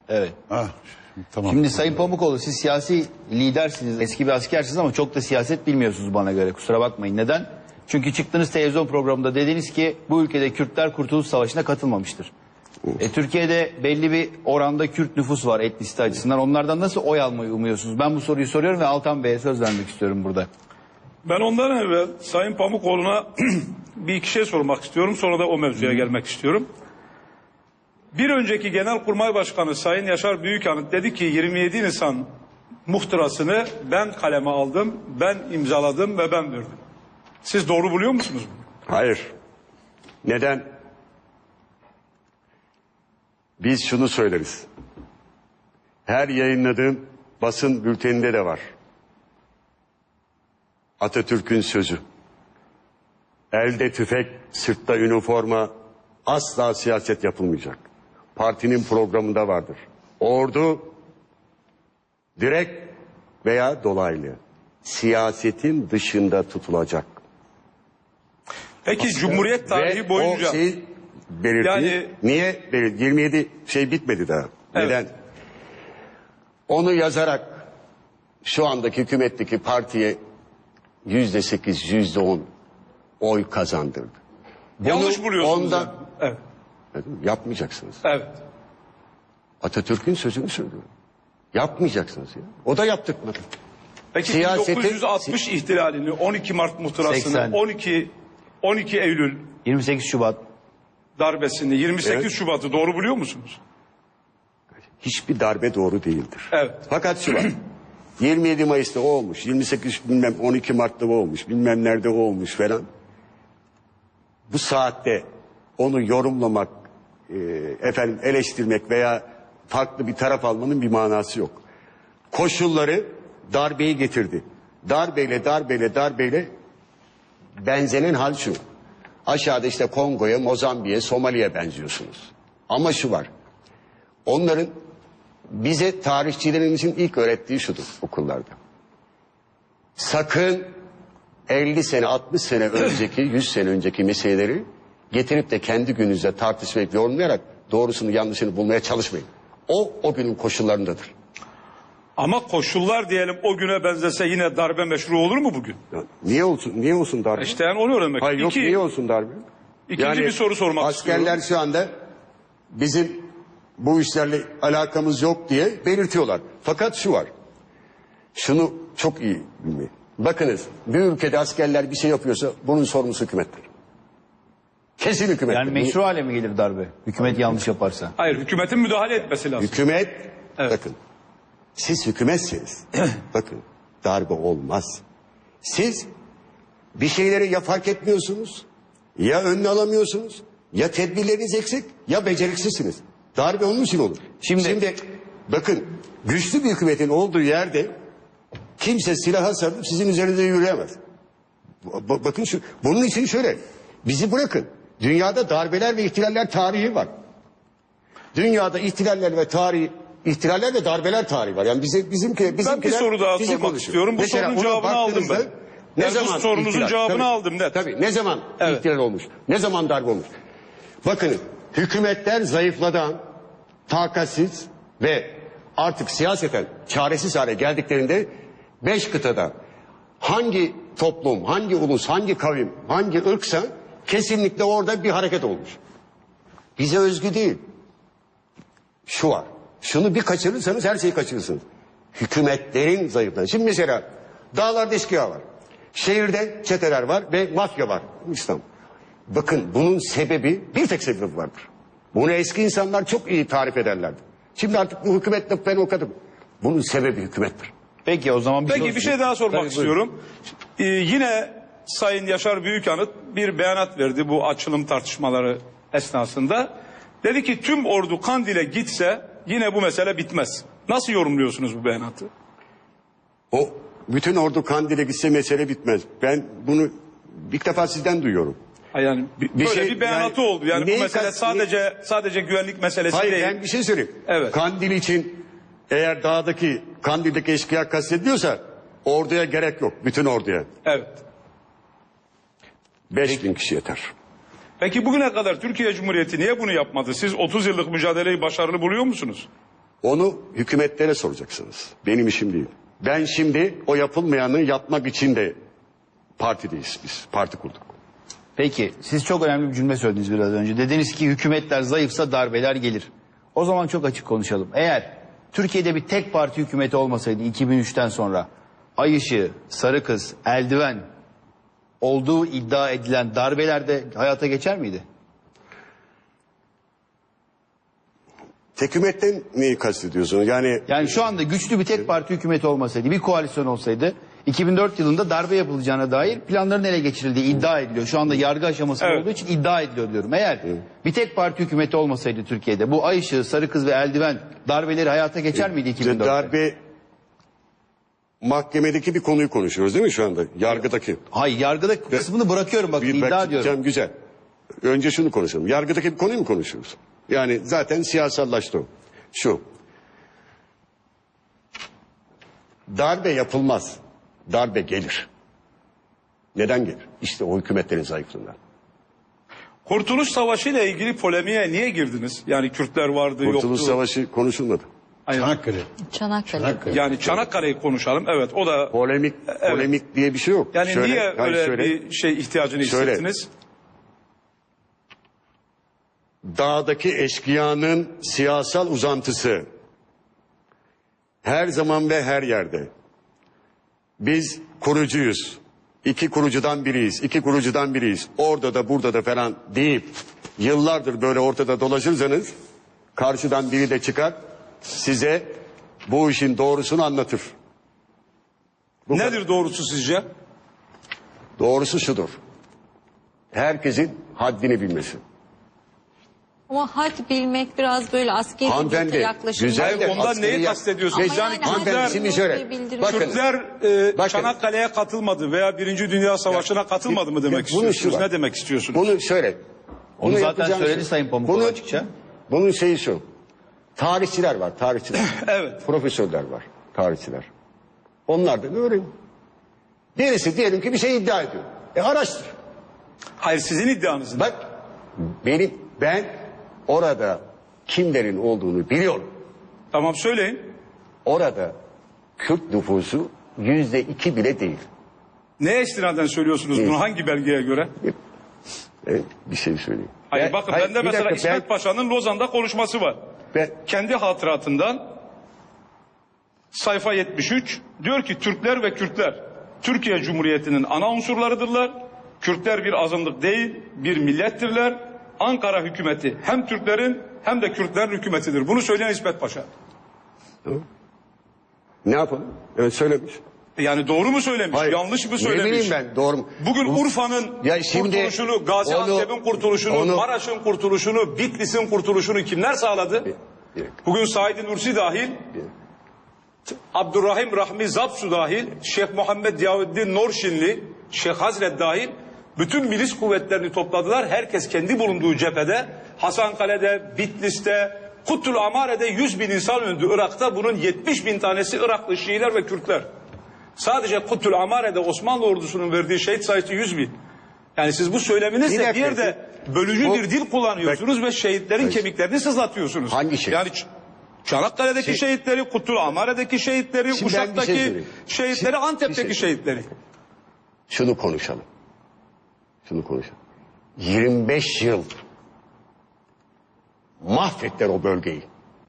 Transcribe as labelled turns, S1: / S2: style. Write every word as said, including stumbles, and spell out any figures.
S1: Evet.
S2: Ah, tamam.
S1: Şimdi Sayın Pamukoğlu, siz siyasi lidersiniz, eski bir askersiniz ama çok da siyaset bilmiyorsunuz bana göre. Kusura bakmayın. Neden? Çünkü çıktığınız televizyon programında dediniz ki bu ülkede Kürtler Kurtuluş Savaşı'na katılmamıştır. E, Türkiye'de belli bir oranda Kürt nüfus var etnisite açısından. Onlardan nasıl oy almayı umuyorsunuz? Ben bu soruyu soruyorum ve Altan Bey'e söz vermek istiyorum burada.
S3: Ben ondan evvel Sayın Pamukoğlu'na bir iki şey sormak istiyorum. Sonra da o mevzuya gelmek istiyorum. Bir önceki Genelkurmay Başkanı Sayın Yaşar Büyükanıt dedi ki yirmi yedi Nisan muhtırasını ben kaleme aldım, ben imzaladım ve ben verdim. Siz doğru buluyor musunuz bunu?
S4: Hayır. Neden? Biz şunu söyleriz. Her yayınladığım basın bülteninde de var. Atatürk'ün sözü. Elde tüfek, sırtta üniforma, asla siyaset yapılmayacak. Partinin programında vardır. Ordu direkt veya dolaylı siyasetin dışında tutulacak.
S3: Peki Cumhuriyet tarihi
S4: Ve
S3: boyunca...
S4: o şeyi belirtti.
S3: Yani-
S4: Niye? Belirtti. yirmi yedi şey bitmedi daha.
S3: Evet.
S4: Neden? Onu yazarak şu andaki hükümetteki partiye yüzde sekiz, yüzde on oy kazandırdı.
S3: Yanlış
S4: Bunu
S3: buluyorsunuz.
S4: ondan-
S3: yani. Evet.
S4: Yapmayacaksınız.
S3: Evet.
S4: Atatürk'ün sözünü söylüyorum. Yapmayacaksınız ya. O da yaptırmadı.
S3: Peki
S4: Siyaseti-
S3: bin dokuz yüz altmış ihtilalini, on iki Mart muhtırasını,
S1: seksen.
S3: on iki on iki Eylül
S1: yirmi sekiz Şubat.
S3: darbesini, yirmi sekiz
S4: Evet.
S3: Şubat'ı doğru buluyor musunuz?
S4: Hiçbir darbe doğru değildir.
S3: Evet.
S4: Fakat şu var. yirmi yedi Mayıs'ta o olmuş. yirmi sekiz bilmem on iki Mart'ta o olmuş. Bilmem nerede o olmuş falan. Bu saatte onu yorumlamak, e, efendim eleştirmek veya farklı bir taraf almanın bir manası yok. Koşulları darbeyi getirdi. Darbeyle darbeyle darbeyle benzenen hal şu. Aşağıda işte Kongo'ya, Mozambik'e, Somali'ye benziyorsunuz. Ama şu var. Onların bize tarihçilerimizin ilk öğrettiği şudur okullarda. Sakın elli sene, altmış sene önceki, yüz sene önceki meseleleri getirip de kendi gününüzde tartışmayıp yorumlayarak doğrusunu yanlışını bulmaya çalışmayın. O, o günün koşullarındadır.
S3: Ama koşullar diyelim o güne benzese yine darbe meşru olur mu bugün?
S4: Ya, niye olsun, niye olsun darbe?
S3: İşte yani onu öğrenmek.
S4: Hayır yok,
S3: İki,
S4: niye olsun darbe?
S3: ikinci bir soru sormak
S4: askerler
S3: istiyorum.
S4: şu anda bizim bu işlerle alakamız yok diye belirtiyorlar. Fakat şu var. Şunu çok iyi bilmeyin. Bakınız bir ülkede askerler bir şey yapıyorsa bunun sorumlusu hükümettir. Kesin hükümettir.
S1: Yani meşru hale mi gelir darbe? Hükümet yanlış yaparsa.
S3: Hayır, hükümetin müdahale etmesi lazım.
S4: Hükümet,
S3: Evet.
S4: bakın. Siz hükümetseniz, bakın darbe olmaz. Siz bir şeyleri ya fark etmiyorsunuz, ya önüne alamıyorsunuz, ya tedbirleriniz eksik, ya beceriksizsiniz. Darbe onun için olur.
S1: Şimdi-
S4: Şimdi bakın güçlü bir hükümetin olduğu yerde kimse silaha sarılıp sizin üzerinize yürüyemez. Ba- bakın şu, bunun için şöyle, bizi bırakın. Dünyada darbeler ve ihtilaller tarihi var. Dünyada ihtilaller ve tarihi, ihtilaller ve darbeler tarihi var. Yani bize bizimki bizimkiler
S3: bir soru daha
S4: bizi
S3: sormak
S4: konuşuyor.
S3: istiyorum. Bu
S4: Mesela
S3: sorunun
S4: ona
S3: cevabını aldım
S4: baktığınızda
S3: ben.
S4: Ne
S3: Yani bu
S4: zaman
S3: sorunuzun
S4: ihtilal?
S3: cevabını
S4: Tabii,
S3: aldım net.
S4: Tabii ne zaman
S3: Evet.
S4: ihtilal olmuş? Ne zaman darbe olmuş? Bakın hükümetler zayıfladan, takatsiz ve artık siyaseten çaresiz hale geldiklerinde beş kıtada hangi toplum, hangi ulus, hangi kavim, hangi ırksa kesinlikle orada bir hareket olmuş. Bize özgü değil. Şu var. Şunu bir kaçırırsanız her şeyi kaçırırsınız. Hükümetlerin zayıflığı. Şimdi mesela dağlarda eşkıya var. Şehirde çeteler var ve mafya var. İslam. Bakın bunun sebebi bir tek sebebi vardır. Bunu eski insanlar çok iyi tarif ederlerdi. Şimdi artık bu hükümetle ben okadım. Bunun sebebi hükümettir.
S1: Peki o zaman bir
S3: Peki
S1: soru-
S3: bir şey daha sormak
S1: Tabii, buyurun.
S3: istiyorum. Ee, yine Sayın Yaşar Büyükanıt bir beyanat verdi bu açılım tartışmaları esnasında. Dedi ki tüm ordu Kandil'e gitse yine bu mesele bitmez. Nasıl yorumluyorsunuz bu beyanatı?
S4: O bütün ordu Kandil'e gitse mesele bitmez. Ben bunu ilk defa sizden duyuyorum.
S3: Ha, Yani bir,
S4: Bir
S3: böyle
S4: şey-
S3: bir beyanatı
S4: yani
S3: oldu. Yani
S4: neyi
S3: bu mesele
S4: kast-
S3: sadece sadece güvenlik meselesi
S4: Hayır
S3: değil.
S4: ben bir şey söyleyeyim.
S3: Evet.
S4: Kandil için eğer dağdaki Kandil'deki eşkıya kastediyorsa orduya gerek yok. Bütün orduya.
S3: Evet.
S4: Beş bin kişi yeter.
S3: Peki bugüne kadar Türkiye Cumhuriyeti niye bunu yapmadı? Siz otuz yıllık mücadeleyi başarılı buluyor musunuz?
S4: Onu hükümetlere soracaksınız. Benim işim değil. Ben şimdi o yapılmayanı yapmak için de partideyiz biz. Parti kurduk.
S1: Peki siz çok önemli bir cümle söylediniz biraz önce. Dediniz ki hükümetler zayıfsa darbeler gelir. O zaman çok açık konuşalım. Eğer Türkiye'de bir tek parti hükümeti olmasaydı iki bin üçten sonra Ay Işığı, Sarı Kız, Eldiven olduğu iddia edilen darbeler de hayata geçer miydi?
S4: Tek hükümetten neyi kastediyorsun? Yani,
S1: Yani şu anda güçlü bir tek parti hükümeti olmasaydı, bir koalisyon olsaydı iki bin dört yılında darbe yapılacağına dair planların ele geçirildiği iddia ediliyor. Şu anda yargı aşamasında
S3: Evet.
S1: olduğu için iddia ediliyor diyorum. Eğer bir tek parti hükümeti olmasaydı Türkiye'de bu Ay Işığı, Sarı Kız ve Eldiven darbeleri hayata geçer miydi iki bin dörtte?
S4: darbe mahkemedeki bir konuyu konuşuyoruz değil mi şu anda? Yargıdaki.
S1: Hayır, yargıda kısmını bırakıyorum bak,
S4: Bir-
S1: iddia
S4: bak,
S1: ediyorum.
S4: Cem, güzel. Önce şunu konuşalım. Yargıdaki bir konuyu mu konuşuyoruz? Yani zaten siyasallaştı o. Şu. Darbe yapılmaz. Darbe gelir. Neden gelir? İşte o hükümetlerin zayıflığından.
S3: Kurtuluş Savaşı ile ilgili polemiğe niye girdiniz? Yani Kürtler vardı,
S4: Kurtuluş
S3: yoktu.
S4: Savaşı konuşulmadı.
S3: Aynen.
S2: Çanakkale.
S5: Çanakkale.
S2: Çanakkale.
S3: Yani Çanakkale'yi konuşalım. Evet, o da
S4: Polemik, polemik diye bir şey yok.
S3: yani
S4: Şöyle,
S3: niye
S4: hayır,
S3: öyle
S4: şöyle,
S3: bir şey ihtiyacını
S4: Şöyle.
S3: hissettiniz?
S4: Dağdaki eşkıyanın siyasal uzantısı her zaman ve her yerde. Biz kurucuyuz. İki kurucudan biriyiz. iki kurucudan biriyiz. Orada da burada da falan deyip yıllardır böyle ortada dolaşırsanız karşıdan biri de çıkar size bu işin doğrusunu anlatır. Bu
S3: Nedir doğrusu sizce?
S4: Doğrusu şudur. Herkesin haddini bilmesi.
S5: Ama had bilmek biraz böyle askeri
S4: Hanımefendi,
S5: bir yaklaşım.
S4: güzel
S3: Hayır,
S4: de
S3: ondan
S4: askeri
S3: neyi
S4: yak-
S3: kastediyorsunuz?
S5: Ama
S3: Yani
S5: yani
S4: Hanımefendi
S3: Kürtler,
S4: şimdi şöyle.
S5: bir bildirim.
S4: Bakın.
S3: Kürtler e,
S4: Bakın.
S3: Çanakkale'ye katılmadı veya Birinci Dünya Savaşı'na katılmadı mı demek
S4: Bunun
S3: istiyorsunuz?
S4: şu var.
S3: Ne demek istiyorsunuz?
S4: Bunu şöyle.
S1: Onu
S4: bunu
S1: zaten
S4: yapacağınız
S1: söyledi
S4: şey-
S1: Sayın Pamukoğlu
S4: Bunu-
S1: açıkça.
S4: Bunun şeyi şu. Tarihçiler var, tarihçiler.
S3: Evet.
S4: Profesörler var, tarihçiler. Onlardan öğrenin. Birisi diyelim ki bir şey iddia ediyor. E araştır.
S3: Hayır, sizin iddianız ne?
S4: Bak benim ben orada kimlerin olduğunu biliyorum.
S3: Tamam, söyleyin.
S4: Orada Kürt nüfusu yüzde iki bile değil.
S3: Neye istinaden söylüyorsunuz bunu? Hangi belgeye göre?
S4: Evet, bir şey söyleyeyim.
S3: Hayır,
S4: Ben-
S3: bakın
S4: hayır,
S3: bende
S4: bir
S3: mesela
S4: dakika,
S3: İsmet
S4: ben-
S3: Paşa'nın Lozan'da konuşması var.
S4: ben-
S3: Kendi hatıratından sayfa yetmiş üç diyor ki Türkler ve Kürtler Türkiye Cumhuriyeti'nin ana unsurlarıdırlar. Kürtler bir azınlık değil, bir millettirler. Ankara hükümeti hem Türklerin hem de Kürtlerin hükümetidir. Bunu söyleyen İsmet Paşa.
S4: Ne yapalım? Evet söylemiş.
S3: Yani doğru mu söylemiş,
S4: Hayır,
S3: yanlış mı
S4: Ne
S3: söylemiş?
S4: bileyim ben doğru mu?
S3: Bugün Urfa'nın
S4: Ya şimdi
S3: kurtuluşunu, Gaziantep'in
S4: onu-
S3: kurtuluşunu,
S4: onu-
S3: Maraş'ın kurtuluşunu, Bitlis'in kurtuluşunu kimler sağladı?
S4: Bir dakika.
S3: Bugün Said Nursi dahil, Abdurrahim Rahmi Zapsu dahil, Şeyh Muhammed Yahuddin Norşinli, Şeyh Hazret dahil bütün milis kuvvetlerini topladılar. Herkes kendi bulunduğu cephede, Hasankale'de, Bitlis'te, Kuttul Amare'de yüz bin insan öldü Irak'ta. Bunun yetmiş bin tanesi Iraklı Şiiler ve Kürtler. Sadece Kuttul Amare'de Osmanlı ordusunun verdiği şehit sayısı yüz bin. Yani siz bu
S4: Bir
S3: söyleminizle
S4: dakika,
S3: bir yerde bölücü
S4: bu-
S3: bir dil kullanıyorsunuz ve şehitlerin
S4: Hayır.
S3: kemiklerini sızlatıyorsunuz.
S4: Hangi şehit?
S3: Yani Ç- Çanakkale'deki
S4: Şey-
S3: şehitleri, Kuttul Amare'deki şehitleri,
S4: Şimdi ben bir
S3: Uşak'taki
S4: şey söyleyeyim.
S3: şehitleri,
S4: Şimdi-
S3: Antep'teki
S4: bir şey-
S3: şehitleri.
S4: Şunu konuşalım. Şunu konuşalım. yirmi beş yıl mahvettiler o bölgeyi.